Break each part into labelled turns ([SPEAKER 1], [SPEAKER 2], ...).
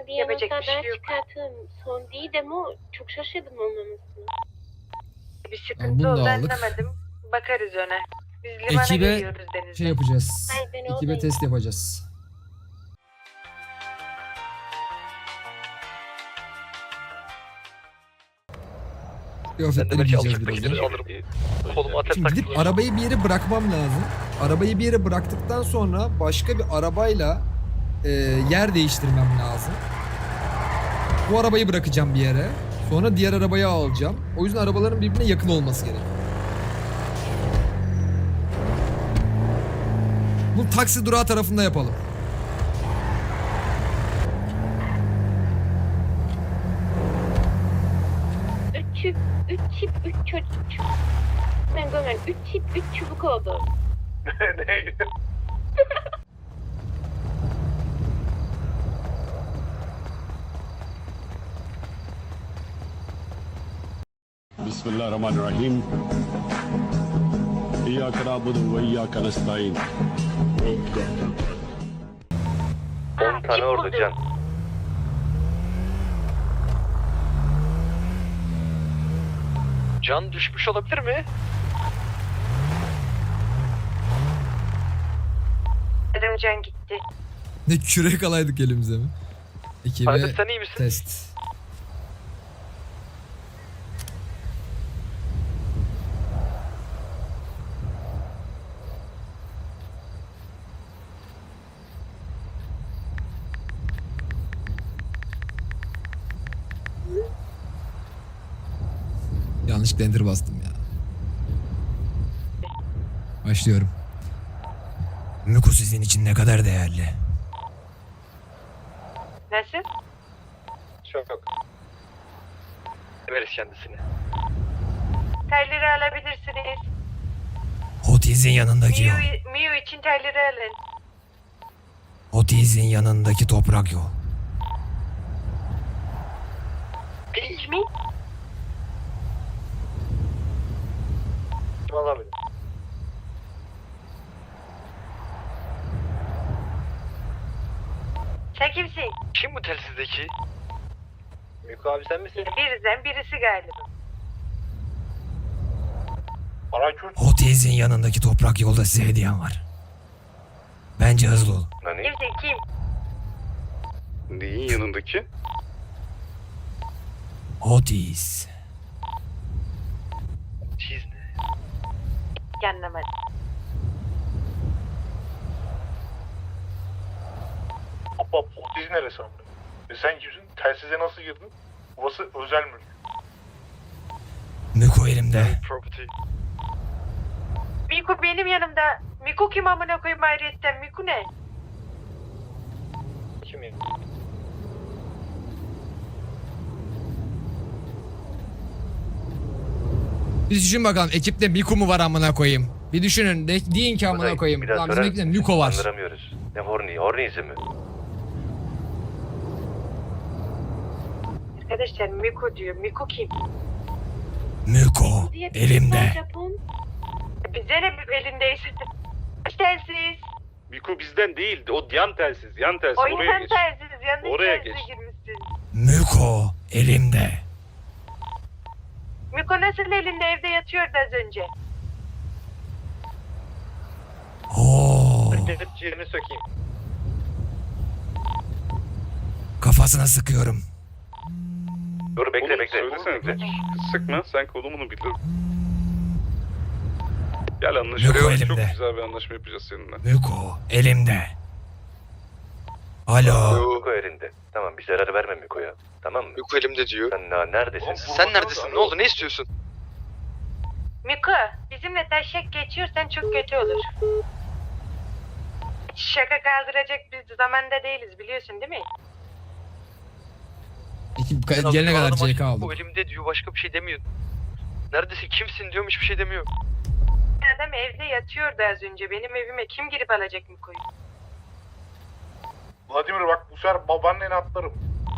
[SPEAKER 1] bir
[SPEAKER 2] Yapacak
[SPEAKER 1] yanıtlar
[SPEAKER 2] bir şey
[SPEAKER 1] daha
[SPEAKER 2] yok.
[SPEAKER 1] çıkartırım. Son değil de ama çok şaşırdım olmamasına.
[SPEAKER 2] Bir
[SPEAKER 3] Tamam,
[SPEAKER 2] sıkıntı
[SPEAKER 3] bunu da
[SPEAKER 2] oldu
[SPEAKER 3] aldık.
[SPEAKER 2] anlamadım. Bakarız ona. Biz limana
[SPEAKER 3] Ekibe
[SPEAKER 2] geliyoruz denizden.
[SPEAKER 3] şey yapacağız.
[SPEAKER 1] Hayır, ben
[SPEAKER 3] Ekibe
[SPEAKER 1] oradayım.
[SPEAKER 3] test yapacağız. Kıyafetleri giyeceğiz birazdan.
[SPEAKER 4] Koluma atar
[SPEAKER 3] Şimdi gidip arabayı bir yere bırakmam lazım. Arabayı bir yere bıraktıktan sonra başka bir arabayla yer değiştirmem lazım. Bu arabayı bırakacağım bir yere. Sonra diğer arabayı alacağım. O yüzden arabaların birbirine yakın olması gerekiyor. Bu taksi durağı tarafında yapalım.
[SPEAKER 1] Üç çip, üç çocuk. Ben görmedim. 3 çip, 3 çubuk oldu.
[SPEAKER 4] Ne?
[SPEAKER 5] Bismillahirrahmanirrahim. İyyâke na'budu ve iyyâke nestaîn.
[SPEAKER 4] 10 tane orada can. Can düşmüş olabilir mi?
[SPEAKER 2] Dedim can gitti.
[SPEAKER 3] Ne kürek alaydık elimize mi? Ekibe
[SPEAKER 4] Hadi sen iyi misin?
[SPEAKER 3] test. Yanlışlıkla enter bastım ya. Başlıyorum. Miko sizin için ne kadar değerli?
[SPEAKER 2] Nasıl?
[SPEAKER 4] Çok. Veririz kendisini.
[SPEAKER 2] Terleri alabilirsiniz.
[SPEAKER 3] Otiz'in yanındaki yol.
[SPEAKER 2] Miu için terleri alın.
[SPEAKER 3] Otiz'in yanındaki toprak yol.
[SPEAKER 2] Mi?
[SPEAKER 4] Kim alabilir?
[SPEAKER 2] Sen kimsin?
[SPEAKER 4] Kim bu telsizdeki? Miko abi sen misin?
[SPEAKER 2] Birizden birisi galiba.
[SPEAKER 4] Arakürt.
[SPEAKER 3] Otiz'in yanındaki toprak yolda size hediyem var. Bence hızlı olun.
[SPEAKER 4] Nani?
[SPEAKER 2] Kimsin kim?
[SPEAKER 5] Neyin yanındaki?
[SPEAKER 3] Otiz.
[SPEAKER 4] Çiz ne?
[SPEAKER 2] Anlamadım.
[SPEAKER 6] Abba otiz neresi amına? Sen kimsin? Telsize nasıl girdin? Burası özel mülk.
[SPEAKER 3] Miko elimde.
[SPEAKER 4] Property.
[SPEAKER 2] Miku benim yanımda. Miku kim amına koyayım ayrıyetten? Miku ne?
[SPEAKER 4] Kim ya?
[SPEAKER 3] Bir düşün bakalım ekipte Miko mu var amına koyayım. Bir düşünün deyin ki amına koyayım. Lan bizim ekipte Miko var.
[SPEAKER 4] Andıramıyoruz. Ne Horny mi?
[SPEAKER 2] Arkadaşlar Miku diyor. Miku kim?
[SPEAKER 3] Miko elimde.
[SPEAKER 1] Japon.
[SPEAKER 2] Bize ne elindeyse. Telsiz.
[SPEAKER 5] Miko bizden değil. O yan telsiz. Yan telsiz.
[SPEAKER 2] O
[SPEAKER 5] Oraya
[SPEAKER 2] insan
[SPEAKER 5] geç.
[SPEAKER 2] telsiz. Yanlış
[SPEAKER 5] Oraya
[SPEAKER 2] telsize
[SPEAKER 5] geç.
[SPEAKER 2] girmişsin.
[SPEAKER 3] Miko elimde.
[SPEAKER 2] Miko nasıl elinde evde yatıyordu az önce?
[SPEAKER 3] Oo,
[SPEAKER 4] Gidip ciğerini sökeyim.
[SPEAKER 3] kafasına sıkıyorum.
[SPEAKER 4] Dur bekle
[SPEAKER 5] Oğlum,
[SPEAKER 4] bekle.
[SPEAKER 5] söylesene. Sıkma. Sen kolumunu bilir. Gel
[SPEAKER 3] Miko
[SPEAKER 5] anlaşalım. Çok
[SPEAKER 3] elimde.
[SPEAKER 5] güzel bir anlaşma yapacağız seninle.
[SPEAKER 3] Miko elimde. Alo.
[SPEAKER 4] Miko elinde. Tamam bir zarar verme Miko'ya. Tamam mı?
[SPEAKER 7] Miko elimde diyor.
[SPEAKER 4] Sen neredesin?
[SPEAKER 7] Sen neredesin? Ne oldu? Ne istiyorsun?
[SPEAKER 2] Miko bizimle taşak geçiyorsan çok kötü olur. Şaka kaldıracak bir zamanda değiliz biliyorsun değil mi?
[SPEAKER 3] Ekip gelene kadar CK
[SPEAKER 7] Bu
[SPEAKER 3] aldım.
[SPEAKER 7] elimde diyor. Başka bir şey demiyor. Neredesin? Kimsin diyorum. Hiçbir şey demiyor.
[SPEAKER 2] Adam evde yatıyordu az önce. Benim evime kim girip alacak Miko'yu?
[SPEAKER 6] Vladimir bak bu sefer babaanneni atlarım.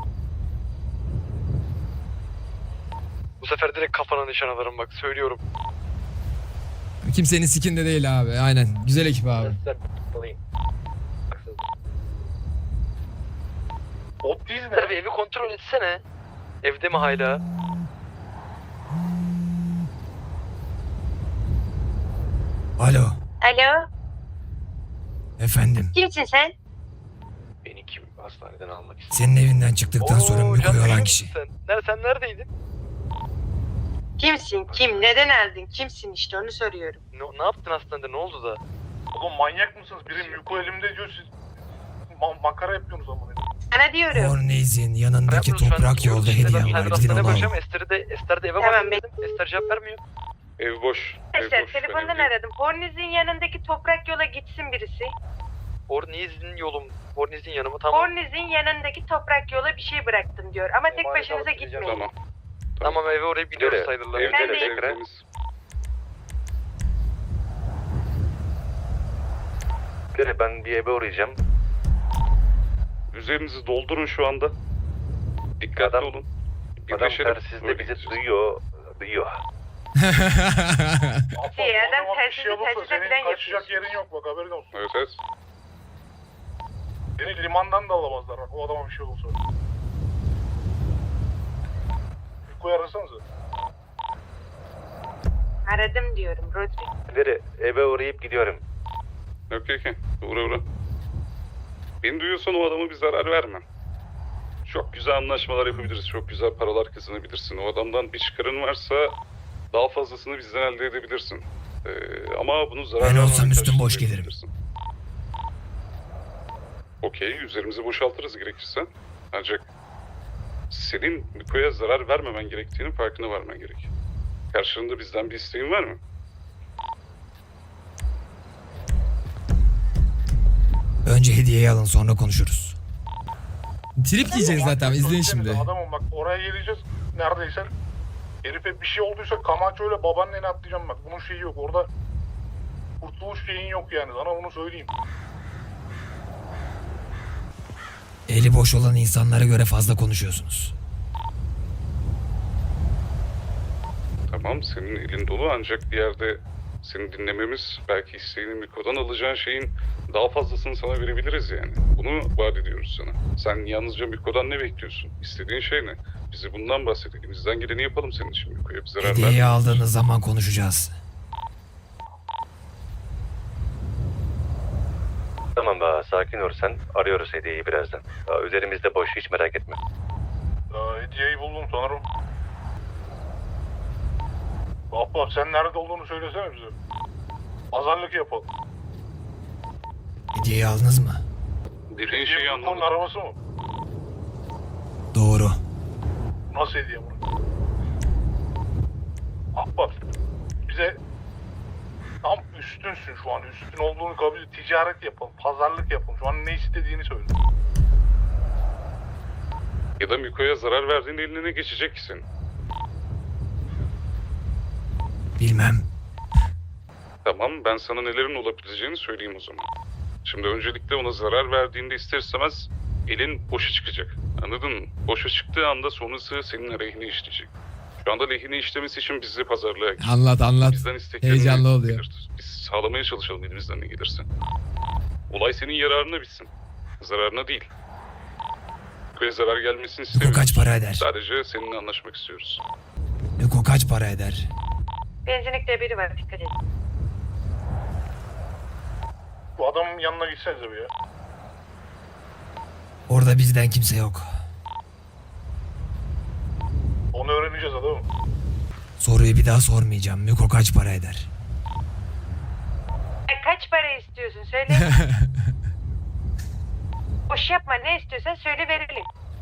[SPEAKER 7] Bu sefer direkt kafana nişan alırım bak. Söylüyorum.
[SPEAKER 3] Kimsenin sikinde değil abi. Aynen. Güzel ekip abi.
[SPEAKER 6] Bot değil
[SPEAKER 7] Tabii
[SPEAKER 6] ne?
[SPEAKER 7] evi kontrol etsene. Evde mi hala?
[SPEAKER 3] Alo.
[SPEAKER 2] Alo,
[SPEAKER 3] Efendim.
[SPEAKER 2] kimsin sen?
[SPEAKER 4] Beni kim hastaneden almak istiyor?
[SPEAKER 3] Senin evinden çıktıktan sonra
[SPEAKER 7] Oo,
[SPEAKER 3] Miko'yu
[SPEAKER 7] Can,
[SPEAKER 3] alan
[SPEAKER 7] duyuyor
[SPEAKER 3] kişi.
[SPEAKER 7] musun sen neredeydin?
[SPEAKER 2] Kimsin? Kim? Neden aldın? Kimsin işte onu soruyorum.
[SPEAKER 7] Ne yaptın hastanede? Ne oldu da?
[SPEAKER 6] Oğlum manyak mısınız? Biri Miko elimde diyor siz makara yapıyorsunuz ama.
[SPEAKER 2] Sana diyorum.
[SPEAKER 3] Fornez'in yanındaki
[SPEAKER 7] Hayatım, şu an
[SPEAKER 3] toprak yolda
[SPEAKER 7] işte ben
[SPEAKER 3] hediye var.
[SPEAKER 7] Cyber
[SPEAKER 3] Gidin
[SPEAKER 7] hastaneye
[SPEAKER 3] onu
[SPEAKER 7] bakacağım.
[SPEAKER 3] alın.
[SPEAKER 7] Ester de eve
[SPEAKER 2] Tamam,
[SPEAKER 7] bakayım dedim. Ester cevap vermiyor.
[SPEAKER 5] Ev boş. Ev
[SPEAKER 2] Arkadaşlar
[SPEAKER 5] boş. Ben
[SPEAKER 2] telefondan
[SPEAKER 5] evdeyim.
[SPEAKER 2] aradım. Horniz'in yanındaki toprak yola gitsin birisi.
[SPEAKER 7] Horniz'in yanı mı? Tamam.
[SPEAKER 2] Horniz'in yanındaki toprak yola bir şey bıraktım diyor. Ama tek
[SPEAKER 4] Emanet
[SPEAKER 2] başınıza
[SPEAKER 4] alıp gideceğim.
[SPEAKER 2] gitmeyin.
[SPEAKER 5] Tamam.
[SPEAKER 7] Tamam eve oraya gidiyoruz
[SPEAKER 4] Nereye?
[SPEAKER 7] sayılırlar.
[SPEAKER 5] Evde
[SPEAKER 2] Ben
[SPEAKER 5] de
[SPEAKER 2] de-
[SPEAKER 5] evdeniz.
[SPEAKER 4] Ben bir eve uğrayacağım.
[SPEAKER 5] Üzerinizi doldurun şu anda. Dikkatli
[SPEAKER 4] Adam-
[SPEAKER 5] olun.
[SPEAKER 4] Adam
[SPEAKER 5] Birleşelim,
[SPEAKER 4] telsizde
[SPEAKER 5] öyle
[SPEAKER 4] bizi
[SPEAKER 5] gideceğiz.
[SPEAKER 4] duyuyor.
[SPEAKER 6] Abla,
[SPEAKER 2] İyi,
[SPEAKER 6] bu
[SPEAKER 2] adam
[SPEAKER 6] adama bir şey
[SPEAKER 2] telsizi
[SPEAKER 6] olursa
[SPEAKER 2] telsize
[SPEAKER 6] senin
[SPEAKER 2] falan
[SPEAKER 6] kaçacak
[SPEAKER 2] yapıyor.
[SPEAKER 6] yerin yok bak haberin olsun.
[SPEAKER 5] Evet evet.
[SPEAKER 6] Seni limandan da alamazlar bak o adama bir şey olursa. Miko'yu arasanıza.
[SPEAKER 2] Aradım diyorum Rodri.
[SPEAKER 4] Veri eve uğrayıp gidiyorum.
[SPEAKER 5] Okey. Uğra. Beni duyuyorsan o adama bir zarar verme. Çok güzel anlaşmalar yapabiliriz. Çok güzel paralar kazanabilirsin. O adamdan bir çıkarın varsa daha fazlasını bizden elde edebilirsin. Ama bunu zarar
[SPEAKER 3] Ben
[SPEAKER 5] vermemek
[SPEAKER 3] olsam üstüm
[SPEAKER 5] karşılığında
[SPEAKER 3] boş gelirim.
[SPEAKER 5] yapabilirsin. Okey. Üzerimizi boşaltırız gerekirse. Ancak senin Miko'ya zarar vermemen gerektiğinin farkına varman gerek. Karşılığında bizden bir isteğin var mı?
[SPEAKER 3] Önce hediyeyi alın sonra konuşuruz. Trip diyecek zaten izleyin
[SPEAKER 6] Söylesenize,
[SPEAKER 3] şimdi.
[SPEAKER 6] Adamım bak oraya geleceğiz neredeyse. Herife bir şey olduysa Camacho ile babaanneni atlayacağım bak. Bunun şeyi yok orada. Kurtuluş şeyin yok yani sana bunu söyleyeyim.
[SPEAKER 3] Eli boş olan insanlara göre fazla konuşuyorsunuz.
[SPEAKER 5] Tamam, senin elin dolu ancak bir yerde seni dinlememiz, belki isteğini Miko'dan alacağın şeyin daha fazlasını sana verebiliriz yani. Bunu vaat ediyoruz sana. Sen yalnızca Miko'dan ne bekliyorsun? İstediğin şey ne? Bize bundan bahset. Elimizden geleni yapalım senin için Miko'ya. Bir zarar
[SPEAKER 3] Hediyeyi
[SPEAKER 5] verme.
[SPEAKER 3] aldığınız zaman konuşacağız.
[SPEAKER 4] Tamam be sakin ol sen. Arıyoruz hediyeyi birazdan. Üzerimizde boş hiç merak etme.
[SPEAKER 6] Hediyeyi buldum sanırım. Abla sen nerede olduğunu söylesene bize. Pazarlık yapalım.
[SPEAKER 3] Hediyeyi aldınız mı?
[SPEAKER 5] Dediğin şeyi
[SPEAKER 6] Onun
[SPEAKER 5] anladım.
[SPEAKER 6] arabası mı?
[SPEAKER 3] Doğru.
[SPEAKER 6] Nasıl hediye bunu? Ahbap bize tam üstünsün şu an. Üstün olduğunu kabul et. Ticaret yapalım. Pazarlık yapalım. Şu an ne istediğini söyle.
[SPEAKER 5] Ya da Miko'ya zarar verdiğin eline geçecek ki senin.
[SPEAKER 3] Bilmem.
[SPEAKER 5] Tamam, ben sana nelerin olabileceğini söyleyeyim o zaman. Şimdi öncelikle ona zarar verdiğinde ister istemez elin boşa çıkacak. Anladın mı? Boşa çıktığı anda sonrası senin aleyhine işleyecek. Şu anda lehine işlemesi için bizi pazarlığa gir.
[SPEAKER 3] Anlat.
[SPEAKER 5] Bizden isteklerini
[SPEAKER 3] Heyecanlı oluyor.
[SPEAKER 5] belir. Biz sağlamaya çalışalım elimizden ne gelirse. Olay senin yararına bitsin. Zararına değil. Ve zarar gelmesini
[SPEAKER 3] Miko
[SPEAKER 5] istemiyoruz.
[SPEAKER 3] kaç para eder?
[SPEAKER 5] Sadece seninle anlaşmak istiyoruz.
[SPEAKER 3] Miko kaç para eder?
[SPEAKER 2] Benzinlikte biri var dikkat edin.
[SPEAKER 6] Bu adamın yanına gitsenize bir ya.
[SPEAKER 3] Orada bizden kimse yok.
[SPEAKER 6] Onu öğreneceğiz adamım.
[SPEAKER 3] Soruyu bir daha sormayacağım. Miko kaç para eder?
[SPEAKER 2] Kaç para istiyorsun söyle. Boş yapma ne istiyorsan söyle verelim.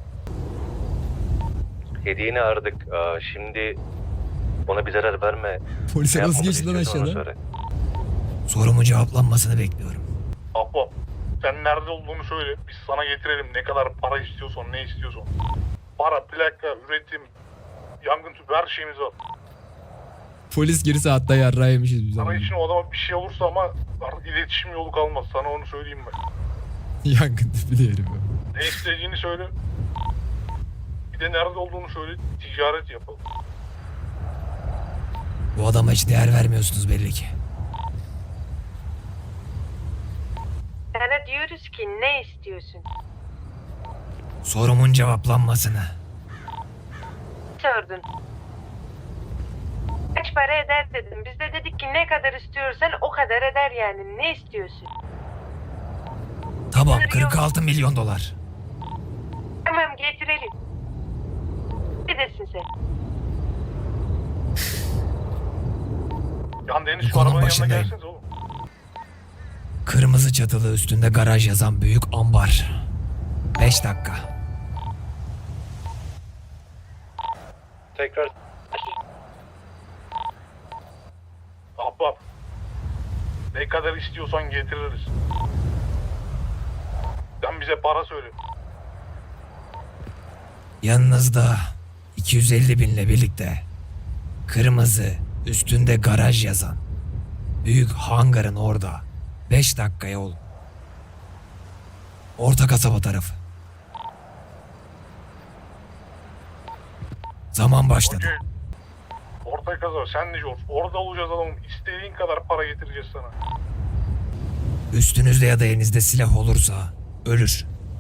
[SPEAKER 4] Hediyeni aradık. Şimdi ona bir zarar verme.
[SPEAKER 3] Polise
[SPEAKER 4] Ne
[SPEAKER 3] nasıl
[SPEAKER 4] yapmamızı
[SPEAKER 3] geçti lan
[SPEAKER 4] istiyorsan onu
[SPEAKER 3] aşağıda?
[SPEAKER 4] söyle.
[SPEAKER 3] Sorumun cevaplanmasını bekliyorum.
[SPEAKER 6] Ahbap sen nerede olduğunu söyle. Biz sana getirelim. Ne kadar para istiyorsan, ne istiyorsan. Para, plaka, üretim, yangın tüpü her şeyimiz var.
[SPEAKER 3] Polis girse hatta yarrağı yemişiz biz
[SPEAKER 6] Sana için o adama bir şey olursa ama artık iletişim yolu kalmaz. Sana onu söyleyeyim ben.
[SPEAKER 3] Yangın tipi diyelim.
[SPEAKER 6] Ne istediğini söyle. Bir de nerede olduğunu söyle. Ticaret yapalım.
[SPEAKER 3] Bu adama hiç değer vermiyorsunuz belli ki.
[SPEAKER 2] Sana diyoruz ki ne istiyorsun?
[SPEAKER 3] Sorumun cevaplanmasını.
[SPEAKER 2] Sordun. Kaç para eder dedim. Biz de dedik ki ne kadar istiyorsan o kadar eder yani. Ne istiyorsun?
[SPEAKER 3] Tamam, 46 milyon dolar.
[SPEAKER 2] Tamam getirelim. Ne desin sen?
[SPEAKER 6] Yan Deniz şu
[SPEAKER 3] Konum
[SPEAKER 6] arabanın yanına
[SPEAKER 3] başındayım.
[SPEAKER 6] gelseniz oğlum.
[SPEAKER 3] Kırmızı çatılı üstünde garaj yazan büyük ambar. 5 dakika.
[SPEAKER 4] Tekrar
[SPEAKER 6] Ahbap. Ne kadar istiyorsan getiririz. Sen bize para söyle.
[SPEAKER 3] Yanınızda 250 binle birlikte kırmızı üstünde garaj yazan büyük hangarın orada 5 dakika yol. Orta kasaba tarafı. Zaman başladı.
[SPEAKER 6] Okey. Orta kaza sen de George. Orada olacağız adamım. İstediğin kadar para getireceğiz sana.
[SPEAKER 3] Üstünüzde ya da elinizde silah olursa ölür.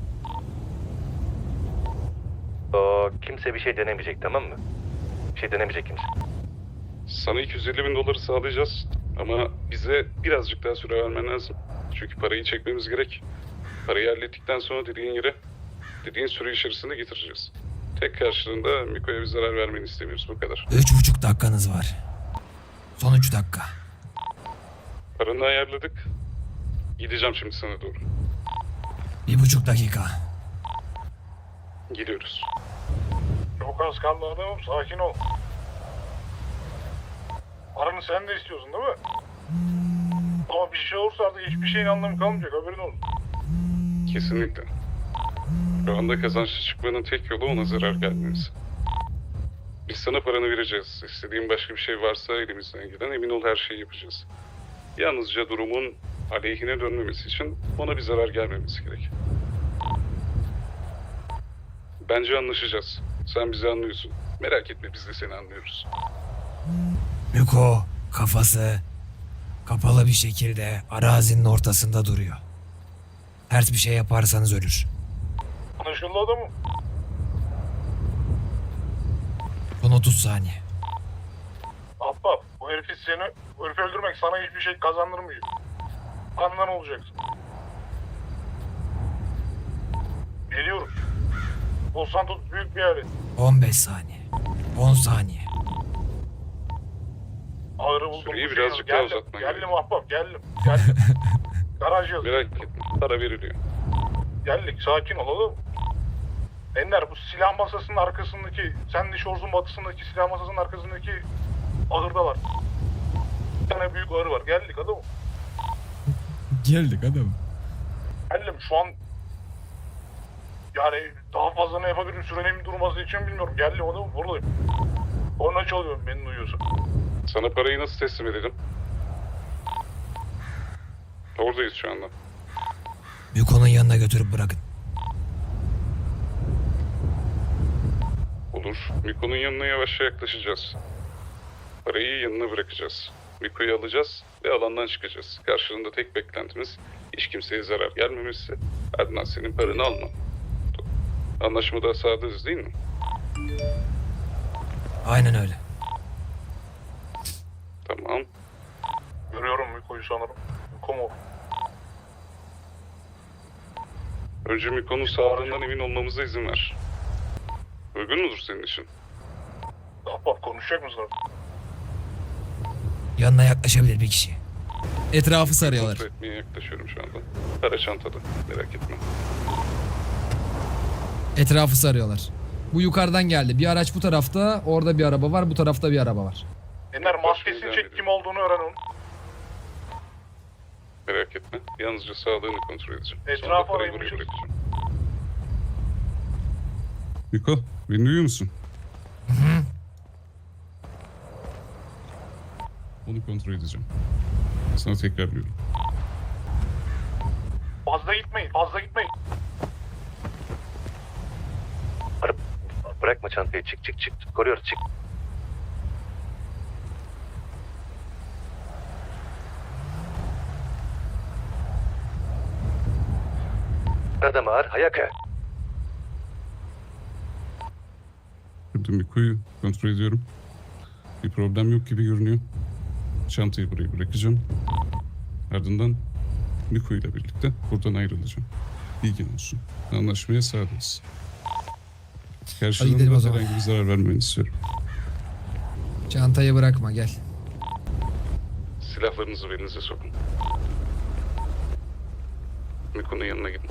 [SPEAKER 4] kimse bir şey denemeyecek, tamam mı? Bir şey denemeyecek kimse.
[SPEAKER 5] Sana 250 bin doları sağlayacağız ama bize birazcık daha süre vermen lazım. Çünkü parayı çekmemiz gerek. Parayı hallettikten sonra dediğin süre içerisinde getireceğiz. Tek karşılığında Miko'ya bir zarar vermeni istemiyoruz, bu kadar.
[SPEAKER 3] 3,5 dakikanız var. Son 3 dakika.
[SPEAKER 5] Paranı ayarladık. Gideceğim şimdi sana doğru.
[SPEAKER 3] 1,5 dakika.
[SPEAKER 5] Gidiyoruz.
[SPEAKER 6] Çok az kaldı adamım. Sakin ol. Paranı sen de istiyorsun değil mi? Ama bir şey olursa artık hiçbir şeyin anlamı kalmayacak. Haberin olsun.
[SPEAKER 5] Kesinlikle. Şu anda kazançlı çıkmanın tek yolu ona zarar gelmemiz. Biz sana paranı vereceğiz. İstediğin başka bir şey varsa elimizden gelen, emin ol her şeyi yapacağız. Yalnızca durumun aleyhine dönmemesi için ona bir zarar gelmemesi gerek. Bence anlaşacağız. Sen bizi anlıyorsun. Merak etme, biz de seni anlıyoruz.
[SPEAKER 3] Miko kafası kapalı bir şekilde arazinin ortasında duruyor. Ters bir şey yaparsanız ölür.
[SPEAKER 6] Anlaşıldı adamım.
[SPEAKER 3] Son 30 saniye.
[SPEAKER 6] Ahbap, bu herifi öldürmek sana hiçbir şey kazandırmıyor. Kandan olacaksın. Geliyorum. Los Santos büyük bir yer.
[SPEAKER 3] 15 saniye. 10 saniye.
[SPEAKER 6] Ağrı buldum.
[SPEAKER 5] Süreyi
[SPEAKER 6] bu şeyi
[SPEAKER 5] birazcık daha
[SPEAKER 6] geldim.
[SPEAKER 5] uzatman
[SPEAKER 6] Geldim
[SPEAKER 5] gerekiyor.
[SPEAKER 6] ahbap, geldim. Geldim. Garaj yazıyor.
[SPEAKER 5] Merak etme, para veriliyor.
[SPEAKER 6] Geldik, sakin olalım. Ender, bu silah masasının arkasındaki, Sandy Shores'un batısındaki silah masasının arkasındaki ahırda var. Bir tane büyük ahır var. Geldik adamım.
[SPEAKER 3] Geldik adam.
[SPEAKER 6] Geldim şu an yani daha fazla ne yapabilirim sürenin durması için bilmiyorum. Geldim adamım, buradayım. Korna çalıyorum, beni duyuyorsun.
[SPEAKER 5] Sana parayı nasıl teslim edelim? Oradayız şu anda.
[SPEAKER 3] Miko'nun yanına götürüp bırakın.
[SPEAKER 5] Olur. Miko'nun yanına yavaşça yaklaşacağız. Parayı yanına bırakacağız. Miko'yu alacağız ve alandan çıkacağız. Karşılığında tek beklentimiz hiç kimseye zarar gelmemesi. Adnan senin paranı alma. Anlaşmada sadığız değil mi?
[SPEAKER 3] Aynen öyle.
[SPEAKER 5] Tamam.
[SPEAKER 6] Görüyorum Miko'yu sanırım. Miko mu?
[SPEAKER 5] Önce Miko'nun sağlığından emin olmamıza izin ver. Uygun mudur senin için?
[SPEAKER 6] Ahbap konuşacak mısın?
[SPEAKER 3] Yanına yaklaşabilir bir kişi. Etrafı sarıyorlar.
[SPEAKER 5] Kontrol etmeye yaklaşıyorum şu anda. Para çantada. Merak etme.
[SPEAKER 3] Etrafı sarıyorlar. Bu yukarıdan geldi. Bir araç bu tarafta, orada bir araba var, bu tarafta bir araba var.
[SPEAKER 6] Ender
[SPEAKER 5] Devam
[SPEAKER 6] maskesini çek,
[SPEAKER 5] edelim.
[SPEAKER 6] kim olduğunu öğren onun.
[SPEAKER 5] Merak etme. Yalnızca sağlığını kontrol edeceğim.
[SPEAKER 6] Etrafı
[SPEAKER 5] Sonra da parayı buraya
[SPEAKER 6] araymışız.
[SPEAKER 5] bırakacağım.
[SPEAKER 8] Miko, beni duyuyor musun? Onu kontrol edeceğim. Sana tekrar diyorum.
[SPEAKER 6] Fazla gitmeyin, fazla gitmeyin.
[SPEAKER 4] Bırakma çantayı, çık. Koruyoruz, çık. Adam ağır, Hayaka.
[SPEAKER 8] Burada Miko'yu kontrol ediyorum. Bir problem yok gibi görünüyor. Çantayı buraya bırakacağım. Ardından Miko ile birlikte buradan ayrılacağım. Bilgin olsun. Anlaşmaya sadığız.
[SPEAKER 3] gidelim o
[SPEAKER 8] Karşılığında
[SPEAKER 3] zaman.
[SPEAKER 8] herhangi bir zarar vermeni istiyorum.
[SPEAKER 3] Çantayı bırakma gel.
[SPEAKER 5] Silahlarınızı belinize sokun. Miko'nun yanına gidin.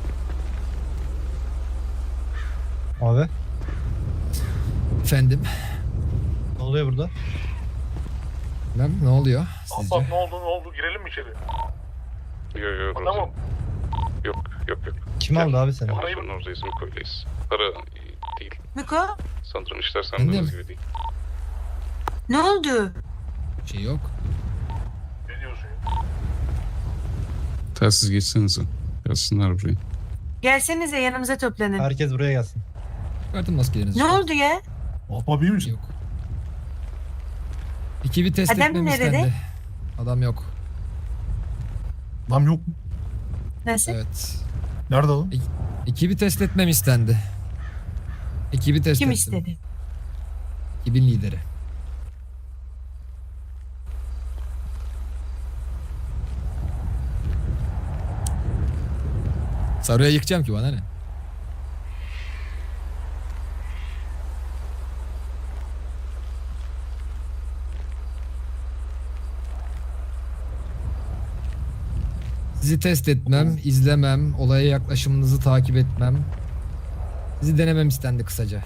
[SPEAKER 9] Abi
[SPEAKER 3] Efendim.
[SPEAKER 9] ne oluyor burada?
[SPEAKER 3] Ne oluyor sizce?
[SPEAKER 6] Ahbap ne oldu girelim mi içeri?
[SPEAKER 5] Yok
[SPEAKER 6] Tamam.
[SPEAKER 5] Yok.
[SPEAKER 9] Kim aldı abi seni?
[SPEAKER 6] Parayı-
[SPEAKER 5] Sonra oradayız, Miko'yleyiz. Para değil.
[SPEAKER 10] Miko,
[SPEAKER 5] Sanırım işler
[SPEAKER 3] Efendim?
[SPEAKER 5] sandığınız gibi değil.
[SPEAKER 10] ne oldu?
[SPEAKER 3] Bir şey yok.
[SPEAKER 6] Ne diyorsun ya?
[SPEAKER 8] Telsiz geçsenize. Gelsinler buraya.
[SPEAKER 10] Gelsenize yanımıza toplanın.
[SPEAKER 9] Herkes buraya gelsin.
[SPEAKER 3] Çıkartın maskelerinizi.
[SPEAKER 10] Ne oldu ya?
[SPEAKER 6] Ahbap iyi misin?
[SPEAKER 3] Yok. Ekibi test
[SPEAKER 10] Adam
[SPEAKER 3] etmem
[SPEAKER 10] nerede?
[SPEAKER 3] istendi. Adam yok.
[SPEAKER 6] Lan yok mu?
[SPEAKER 10] Nasıl?
[SPEAKER 3] Evet.
[SPEAKER 6] Nerede o?
[SPEAKER 3] Ekibi test etmem istendi. Ekibi test
[SPEAKER 10] Kim
[SPEAKER 3] ettim.
[SPEAKER 10] istedi?
[SPEAKER 3] Ekibin lideri. Sarıya yıkacağım ki bana ne? Sizi test etmem, izlemem, olaya yaklaşımınızı takip etmem. Sizi denemem istendi kısaca.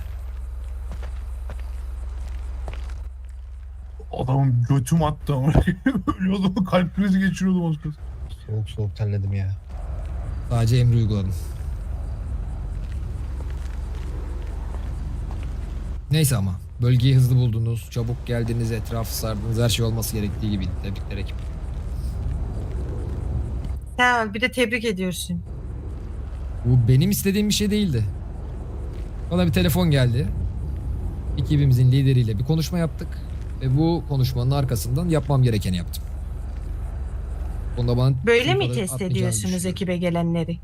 [SPEAKER 6] Adamın götüm attı ama. Ölüyordum, kalp krizi geçiriyordum az kalsın.
[SPEAKER 9] Soğuk soğuk terledim ya.
[SPEAKER 3] Sadece emri uyguladım. Neyse ama bölgeyi hızlı buldunuz, çabuk geldiniz, etrafı sardınız, her şey olması gerektiği gibi. Tebrikler ekip.
[SPEAKER 10] Tamam, bir de tebrik ediyorsun.
[SPEAKER 3] Bu benim istediğim bir şey değildi. Bana bir telefon geldi. Ekibimizin lideriyle bir konuşma yaptık. Ve bu konuşmanın arkasından yapmam gerekeni yaptım. Bunda bana
[SPEAKER 10] Böyle mi
[SPEAKER 3] kadar
[SPEAKER 10] test
[SPEAKER 3] atmayacağını
[SPEAKER 10] ediyorsunuz
[SPEAKER 3] düşünüyorum.
[SPEAKER 10] ekibe gelenleri?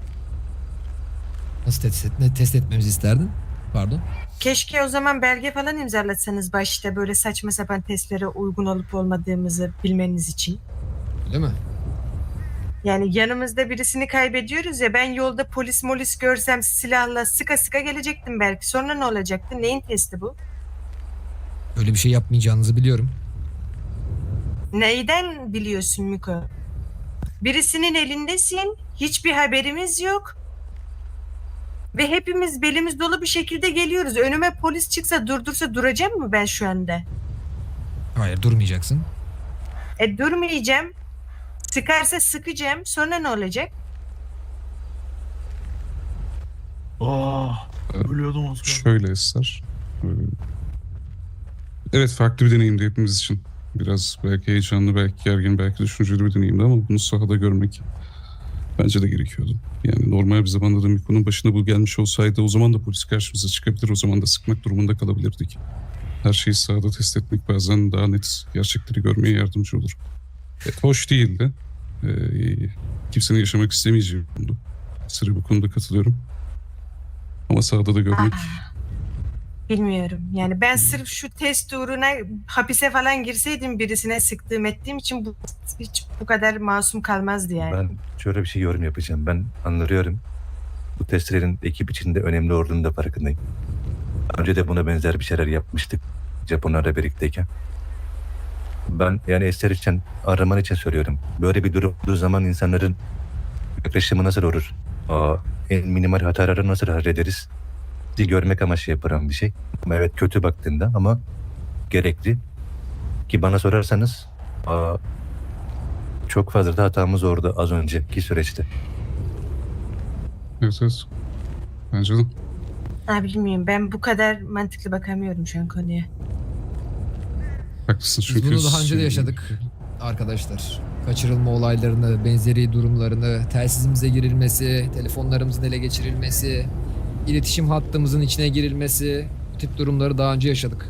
[SPEAKER 3] Nasıl test etmemizi isterdin? Pardon.
[SPEAKER 10] Keşke o zaman belge falan imzalatsanız başta böyle saçma sapan testlere uygun olup olmadığımızı bilmeniz için.
[SPEAKER 3] Öyle mi?
[SPEAKER 10] Yani yanımızda birisini kaybediyoruz ya, ben yolda polis görsem silahla sıka sıka gelecektim belki. Sonra ne olacaktı? Neyin testi bu?
[SPEAKER 3] Öyle bir şey yapmayacağınızı biliyorum.
[SPEAKER 10] Neyden biliyorsun Miko? Birisinin elindesin, hiçbir haberimiz yok. Ve hepimiz belimiz dolu bir şekilde geliyoruz. Önüme polis çıksa durdursa duracağım mı ben şu anda?
[SPEAKER 3] Hayır, durmayacaksın.
[SPEAKER 10] Durmayacağım. Sıkarsa sıkacağım. Sonra ne olacak?
[SPEAKER 6] Ölüyordum az kalsın.
[SPEAKER 8] Şöyle Esrar. Evet, farklı bir deneyimdi hepimiz için. Biraz belki heyecanlı, belki gergin, belki düşünceli bir deneyimdi ama bunu sahada görmek bence de gerekiyordu. Yani normal bir zamanda da Miko'nun başına bu gelmiş olsaydı o zaman da polis karşımıza çıkabilir, o zaman da sıkmak durumunda kalabilirdik. Her şeyi sahada test etmek bazen daha net gerçekleri görmeye yardımcı olur. Hoş değildi. Kimsenin yaşamak istemeyeceği bir konudu. Sırrı bu konuda katılıyorum. Ama sahada da görmek...
[SPEAKER 10] Bilmiyorum. Yani ben sırf şu test uğruna hapise falan girseydim birisine sıktığım ettiğim için bu hiç bu kadar masum kalmazdı yani.
[SPEAKER 4] Ben şöyle bir şey yorum yapacağım. Ben anlıyorum. Bu testlerin ekip içinde önemli olduğunu da farkındayım. Daha önce de buna benzer bir şeyler yapmıştık. Japonlarla birlikteyken. Ben yani Ester için, araman için söylüyorum. Böyle bir durum olduğu zaman insanların yaklaşımı nasıl olur? En minimal hataları nasıl hallederiz? Sizi görmek amaçlı yapılan bir şey. Ama evet, kötü baktığında ama gerekli. Ki bana sorarsanız çok fazla da hatamız orada az önceki süreçte.
[SPEAKER 8] Evet. Bence de.
[SPEAKER 10] Bilmiyorum. Ben bu kadar mantıklı bakamıyorum şu an konuya.
[SPEAKER 8] Haklısın
[SPEAKER 3] Biz
[SPEAKER 8] çünkü...
[SPEAKER 3] bunu daha önce de yaşadık arkadaşlar. Kaçırılma olaylarını, benzeri durumlarını, telsizimize girilmesi, telefonlarımızın ele geçirilmesi, iletişim hattımızın içine girilmesi, bu tip durumları daha önce yaşadık.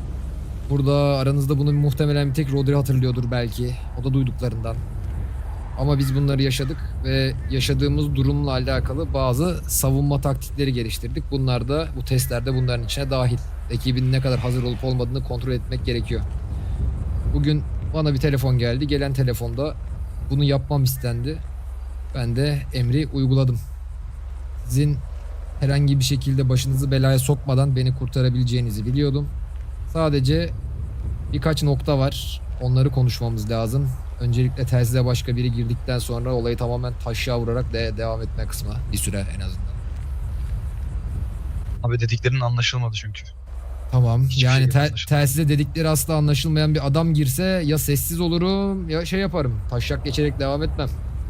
[SPEAKER 3] Burada aranızda bunu muhtemelen bir tek Rodri hatırlıyordur belki. O da duyduklarından. Ama biz bunları yaşadık ve yaşadığımız durumla alakalı bazı savunma taktikleri geliştirdik. Bunlar da bu testlerde bunların içine dahil. Ekibin ne kadar hazır olup olmadığını kontrol etmek gerekiyor. Bugün bana bir telefon geldi. Gelen telefonda bunu yapmam istendi. Ben de emri uyguladım. Sizin herhangi bir şekilde başınızı belaya sokmadan beni kurtarabileceğinizi biliyordum. Sadece birkaç nokta var. Onları konuşmamız lazım. Öncelikle telsize başka biri girdikten sonra olayı tamamen taşa vurarak devam etme kısmı. Bir süre en azından.
[SPEAKER 7] Abi dediklerinin anlaşılmadı çünkü.
[SPEAKER 3] Tamam.
[SPEAKER 7] Hiçbir
[SPEAKER 3] Yani
[SPEAKER 7] şey anlaşılmadı.
[SPEAKER 3] telsize dedikleri asla anlaşılmayan bir adam girse ya sessiz olurum ya şey yaparım. Taşak geçerek devam etmem.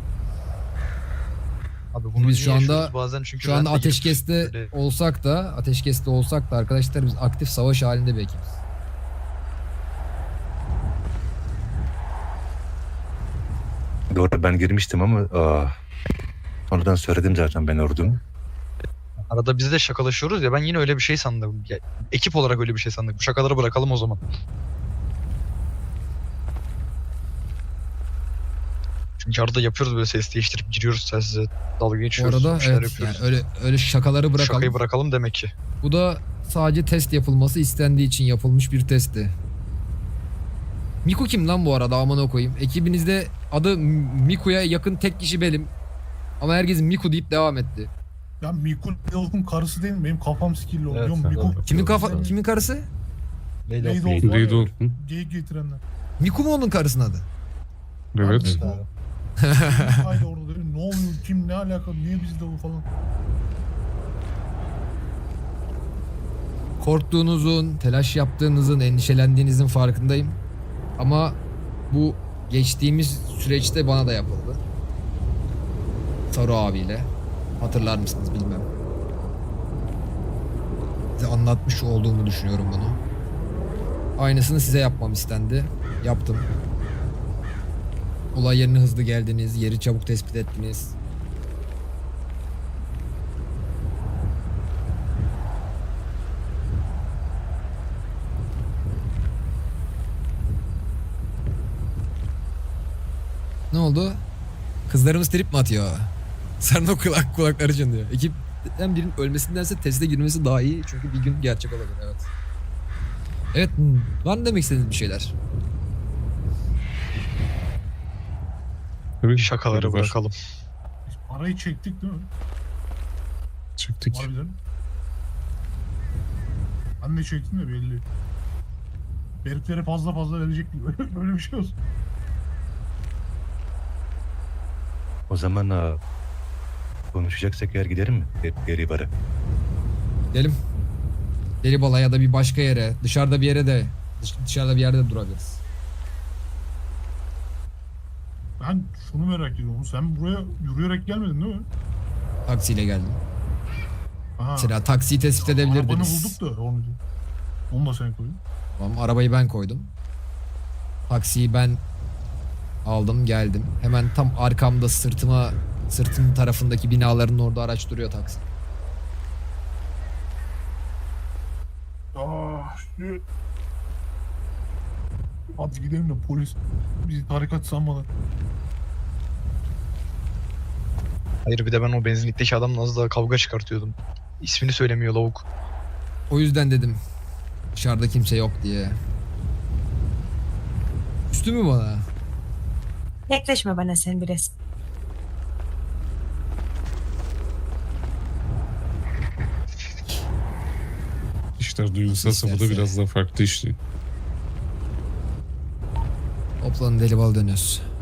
[SPEAKER 7] Abi bunu
[SPEAKER 3] Biz şu
[SPEAKER 7] niye
[SPEAKER 3] anda-
[SPEAKER 7] yaşıyoruz bazen çünkü
[SPEAKER 3] Şu
[SPEAKER 7] ben
[SPEAKER 3] anda
[SPEAKER 7] de girip
[SPEAKER 3] ateşkeste
[SPEAKER 7] böyle-
[SPEAKER 3] olsak da arkadaşlar biz aktif savaş halinde bir ekibiz.
[SPEAKER 4] Doğru, ben girmiştim ama sonradan söyledim zaten ben ordum.
[SPEAKER 7] Arada biz de şakalaşıyoruz ya, ben yine öyle bir şey sandım. Ya, ekip olarak öyle bir şey sandık. Bu şakaları bırakalım o zaman. Çünkü arada yapıyoruz böyle, ses değiştirip giriyoruz telsize, dalga
[SPEAKER 3] Bu
[SPEAKER 7] geçiyoruz,
[SPEAKER 3] arada
[SPEAKER 7] bir şeyler
[SPEAKER 3] evet yani
[SPEAKER 7] yapıyoruz.
[SPEAKER 3] öyle şakaları
[SPEAKER 7] Bu
[SPEAKER 3] bırakalım.
[SPEAKER 7] şakayı bırakalım demek ki.
[SPEAKER 3] Bu da sadece test yapılması istendiği için yapılmış bir testti. Miku kim lan bu arada, amına koyayım? Ekibinizde adı Miku'ya yakın tek kişi benim. Ama herkes Miku deyip devam etti.
[SPEAKER 6] Ya Miku Leolk'un karısı değil mi? Benim kafam sikirli oluyor.
[SPEAKER 9] Evet,
[SPEAKER 6] Miku
[SPEAKER 3] Kimin karısı?
[SPEAKER 6] Lady
[SPEAKER 9] Lady
[SPEAKER 6] Olf var
[SPEAKER 8] Lady
[SPEAKER 6] ya,
[SPEAKER 8] Olf'un.
[SPEAKER 6] geyik getirenler.
[SPEAKER 3] Miku mu onun karısının adı?
[SPEAKER 8] Evet.
[SPEAKER 9] abi.
[SPEAKER 6] Haydi orada dedim, ne oluyor, kim, ne alaka, niye bizde o falan.
[SPEAKER 3] Korktuğunuzun, telaş yaptığınızın, endişelendiğinizin farkındayım. Ama bu geçtiğimiz süreçte bana da yapıldı. Saru abiyle. Hatırlar mısınız bilmem. Size anlatmış olduğumu düşünüyorum bunu. Aynısını size yapmam istendi. Yaptım. Olay yerine hızlı geldiniz, yeri çabuk tespit ettiniz. Ne oldu? Kızlarımız trip mi atıyor? Sarı o kulakları çınlıyor. Ekipten birinin ölmesindense teste girmesi daha iyi. Çünkü bir gün gerçek olabilir, evet. Evet, var mı demek istediğiniz bir şeyler?
[SPEAKER 8] Evet,
[SPEAKER 7] Şakaları
[SPEAKER 8] var.
[SPEAKER 7] bırakalım.
[SPEAKER 6] Biz parayı çektik değil mi?
[SPEAKER 8] Çektik.
[SPEAKER 6] Harbiden. Ben de çektim de belli. Heriflere fazla verecek gibi. Böyle bir şey olsun.
[SPEAKER 4] O zaman konuşacaksak eğer giderim mi? Geri bara.
[SPEAKER 3] Gidelim. Delibala ya da bir başka yere, dışarıda bir yere de dışarıda bir yerde de durabiliriz.
[SPEAKER 6] Ben şunu merak ediyorum. Sen buraya yürüyerek gelmedin değil mi?
[SPEAKER 3] Taksiyle geldim.
[SPEAKER 6] Aha.
[SPEAKER 3] Mesela taksiyi tespit
[SPEAKER 6] Arabanı
[SPEAKER 3] edebilirdiniz.
[SPEAKER 6] bulduk da onu da sen koyun.
[SPEAKER 3] Tamam, arabayı ben koydum. Taksiyi ben aldım, geldim. Hemen tam arkamda sırtım tarafındaki binaların orada araç duruyor taksi.
[SPEAKER 6] Şu... Hadi gidelim de polis bizi tarikat sanmadan.
[SPEAKER 7] Hayır, bir de ben o benzinlikteki adamla az daha kavga çıkartıyordum. İsmini söylemiyor lavuk.
[SPEAKER 3] O yüzden dedim dışarıda kimse yok diye. Üstü mü bana?
[SPEAKER 10] Yaklaşma bana sen biraz.
[SPEAKER 8] İşler duygusal safhada
[SPEAKER 3] İsterse.
[SPEAKER 8] biraz daha farklı işliyor.
[SPEAKER 3] Toplanın, Delibala dönüyoruz.